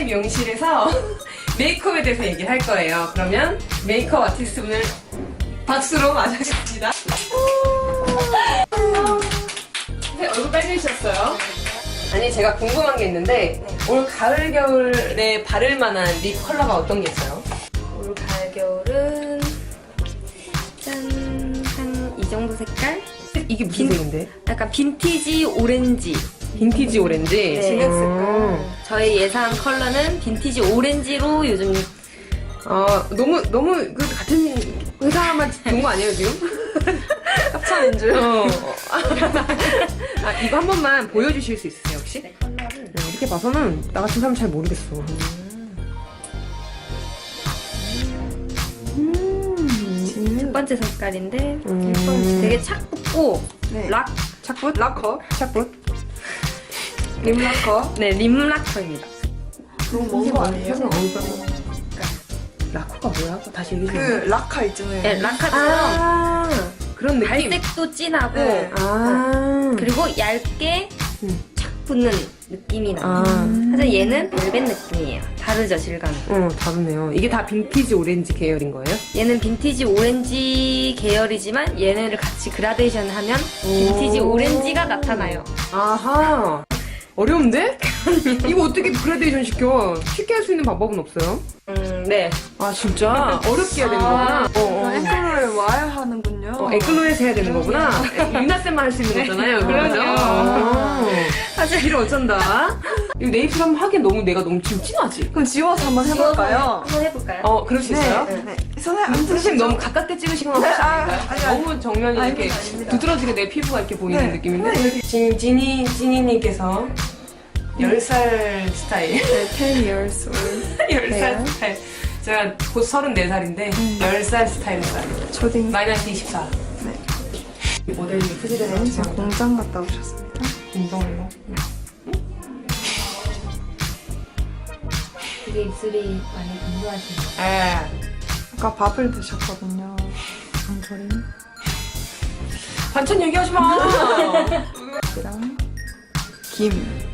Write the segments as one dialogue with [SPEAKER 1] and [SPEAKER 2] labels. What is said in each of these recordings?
[SPEAKER 1] 미용실에서 메이크업에 대해서 얘기를 할 거예요. 그러면 메이크업 아티스트 분을 박수로 맞아주겠습니다. 얼굴 빨개지셨어요? 아니, 제가 궁금한 게 있는데 올 가을 겨울에 바를 만한 립 컬러가 어떤 게 있어요?
[SPEAKER 2] 올 가을 겨울은 짠 한 이 정도 색깔?
[SPEAKER 1] 이게 무슨 색인데?
[SPEAKER 2] 약간 빈티지 오렌지.
[SPEAKER 1] 빈티지 오렌지?
[SPEAKER 2] 네.
[SPEAKER 3] 진한 색깔.
[SPEAKER 2] 저희 예상 컬러는 빈티지 오렌지로 요즘
[SPEAKER 1] 너무 그 같은 회사만 본 거 아니에요, 지금?
[SPEAKER 3] 합쳐낸 줄.
[SPEAKER 1] 이거 한 번만 보여주실 수 있으세요, 혹시?
[SPEAKER 2] 네, 컬러를
[SPEAKER 1] 이렇게 봐서는 나 같은 사람 잘 모르겠어.
[SPEAKER 2] 첫 번째 색깔인데
[SPEAKER 1] 음.
[SPEAKER 2] 되게 착 붙고
[SPEAKER 3] 네.
[SPEAKER 1] 착붙?
[SPEAKER 3] 락커.
[SPEAKER 1] 착붙?
[SPEAKER 3] 립락커.
[SPEAKER 2] 네, 립라커입니다.
[SPEAKER 3] 너무 먼 거 아니에요?
[SPEAKER 1] 라커가 뭐야? 다시 얘기해
[SPEAKER 3] 그
[SPEAKER 1] 주세요.
[SPEAKER 3] 라카 있잖아요.
[SPEAKER 2] 네, 라카처럼
[SPEAKER 1] 그런 느낌?
[SPEAKER 2] 발색도 진하고
[SPEAKER 3] 네.
[SPEAKER 2] 그리고 얇게 착 붙는 느낌이 나요.
[SPEAKER 1] 아.
[SPEAKER 2] 하지만 얘는 벨벳 느낌이에요. 다르죠, 질감이.
[SPEAKER 1] 다르네요. 이게 다 빈티지 오렌지 계열인 거예요?
[SPEAKER 2] 얘는 빈티지 오렌지 계열이지만 얘네를 같이 그라데이션 하면 빈티지 오렌지가 나타나요.
[SPEAKER 1] 아하. 어려운데? 이거 어떻게 그라데이션 시켜? 쉽게 할 수 있는 방법은 없어요?
[SPEAKER 2] 네.
[SPEAKER 1] 아, 진짜? 어렵게 해야 되는 거구나?
[SPEAKER 3] 앵콜을 와야 하는군요.
[SPEAKER 1] 에클로에서 해야 되는 거구나? 유나쌤만 할 수 있는 거잖아요.
[SPEAKER 2] 그럼요.
[SPEAKER 1] 사실 이를 어쩐다. 이거 네이클 한번 하기엔 내가 너무 지금 진하지?
[SPEAKER 3] 그럼 지워서 한번 해볼까요?
[SPEAKER 2] 한번 해볼까요?
[SPEAKER 1] 그럴 수 있어요?
[SPEAKER 3] 네. 손에 안
[SPEAKER 1] 선생님
[SPEAKER 3] 드시죠?
[SPEAKER 1] 너무 가깝게 찍으시거나 혹시 아닌가요?
[SPEAKER 3] 아니.
[SPEAKER 1] 너무 정면이 이렇게
[SPEAKER 3] 아닙니다, 아닙니다.
[SPEAKER 1] 두드러지게 내 피부가 이렇게 보이는
[SPEAKER 3] 네.
[SPEAKER 1] 느낌인데? 지금 지니님께서 10살 스타일.
[SPEAKER 3] 네, 10 years old.
[SPEAKER 1] 10살 스타일. 제가 곧 34살인데 10살 스타일을 써요.
[SPEAKER 3] 초딩.
[SPEAKER 1] 마이너스 24.
[SPEAKER 3] 네.
[SPEAKER 1] 모델이 후지를
[SPEAKER 3] 네, 지금 공장 갔다 오셨습니다.
[SPEAKER 1] 운동으로.
[SPEAKER 2] 되게 입술이 많이 건조하시네요.
[SPEAKER 3] 아까 밥을 드셨거든요. 강조림.
[SPEAKER 1] 반찬 얘기하지 마!
[SPEAKER 3] 이랑 김.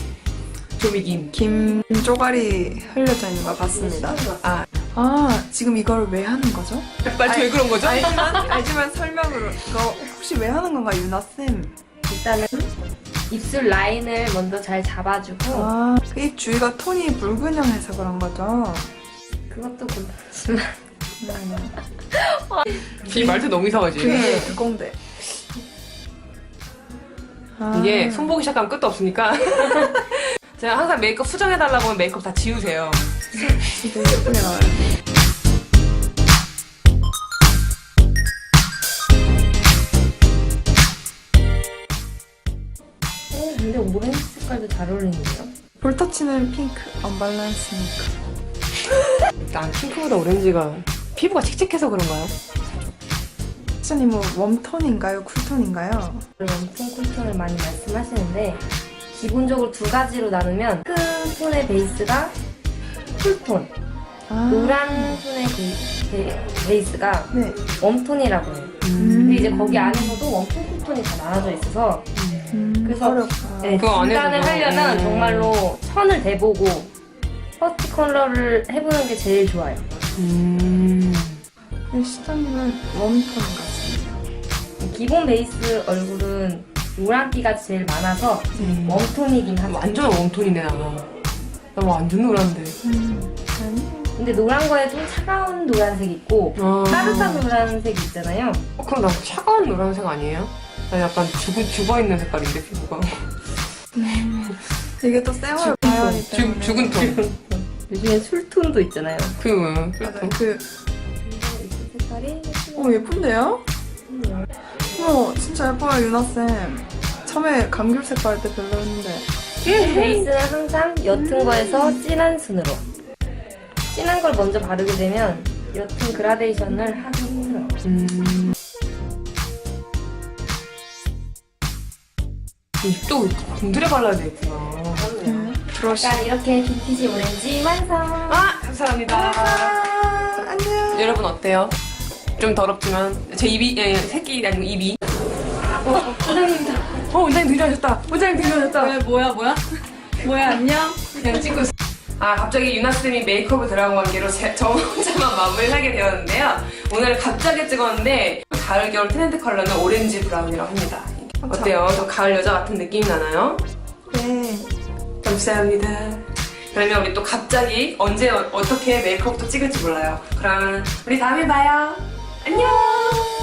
[SPEAKER 1] 조미김.
[SPEAKER 3] 김 쪼가리 흘려져 있는 거 봤습니다. 지금 이걸 왜 하는 거죠?
[SPEAKER 1] 말투 왜 그런 거죠?
[SPEAKER 3] 알지만 설명으로. 이거 혹시 왜 하는 건가, 유나쌤?
[SPEAKER 2] 일단은 입술 라인을 먼저 잘 잡아주고
[SPEAKER 3] 이 주위가 톤이 붉은형해서 그런 거죠?
[SPEAKER 2] 그것도 그렇지만
[SPEAKER 1] 이 말투 너무 이상하지?
[SPEAKER 3] 그게 그건데.
[SPEAKER 1] 이게 손보기 시작하면 끝도 없으니까 제가 항상 메이크업 수정해달라고 하면 메이크업 다 지우세요.
[SPEAKER 3] 진짜 예쁘게 나와요.
[SPEAKER 2] 근데 오렌지 색깔도 잘 어울리는데요?
[SPEAKER 3] 볼터치는 핑크, 언밸런스니까.
[SPEAKER 1] 난 핑크보다 오렌지가 피부가 칙칙해서 그런가요?
[SPEAKER 3] 시장님 뭐 웜톤인가요? 쿨톤인가요?
[SPEAKER 2] 웜톤, 쿨톤을 많이 말씀하시는데 기본적으로 두 가지로 나누면 핑크 톤의 베이스가 쿨톤, 노란 톤의 베이스가
[SPEAKER 3] 네.
[SPEAKER 2] 웜톤이라고 해요. 근데 이제 거기 안에서도 웜톤, 쿨톤이 다 나눠져 있어서 그래서
[SPEAKER 3] 어렵다.
[SPEAKER 2] 네,
[SPEAKER 1] 그거 안
[SPEAKER 2] 진단을
[SPEAKER 1] 해도
[SPEAKER 2] 하려면 정말로 선을 대보고 퍼스트 컬러를 해보는 게 제일 좋아요.
[SPEAKER 3] 시장님은 웜톤 같습니다.
[SPEAKER 2] 기본 베이스 얼굴은 노란기가 제일 많아서 웜톤이긴 하죠.
[SPEAKER 1] 완전 웜톤이네, 나 완전 노란데.
[SPEAKER 2] 근데 노란 거에도 차가운 노란색 있고 따뜻한 노란색 있잖아요.
[SPEAKER 1] 그럼 나 차가운 노란색 아니에요? 나 약간 죽어있는 색깔인데, 피부가.
[SPEAKER 3] 이게 또 쌩얼 바이오니 때문에.
[SPEAKER 1] 죽은 톤.
[SPEAKER 2] 요즘에 술톤도 있잖아요.
[SPEAKER 3] 맞아요.
[SPEAKER 2] 색깔이
[SPEAKER 3] 예쁜데요? 진짜 예뻐요, 유나쌤. 처음에 감귤색 바를 때 별로였는데.
[SPEAKER 2] 베이스는 항상 옅은 거에서 진한 순으로. 진한 걸 먼저 바르게 되면 옅은 그라데이션을 하기 힘들어요.
[SPEAKER 1] 또 공들여 발라야 되겠구나.
[SPEAKER 3] 브러쉬.
[SPEAKER 2] 약간 이렇게 빈티지 오렌지 완성!
[SPEAKER 1] 감사합니다.
[SPEAKER 3] 안녕.
[SPEAKER 1] 여러분 어때요? 좀 더럽지만 제 입이 새끼 아니고 입이.
[SPEAKER 2] 원장님이다.
[SPEAKER 1] 원장님 등장하셨다. 원장님 등장하셨다.
[SPEAKER 4] 뭐야? 뭐야, 안녕?
[SPEAKER 1] 그냥 찍고 있어. 갑자기 유나쌤이 메이크업을 들어간 관계로 저 혼자만 마무리를 하게 되었는데요. 오늘 갑자기 찍었는데 가을 겨울 트렌드 컬러는 오렌지 브라운이라고 합니다. 어때요? 저 가을 여자 같은 느낌이 나나요?
[SPEAKER 3] 네.
[SPEAKER 1] 감사합니다. 그러면 우리 또 갑자기 언제 어떻게 메이크업도 찍을지 몰라요. 그러면 우리 다음에 봐요. 안녕!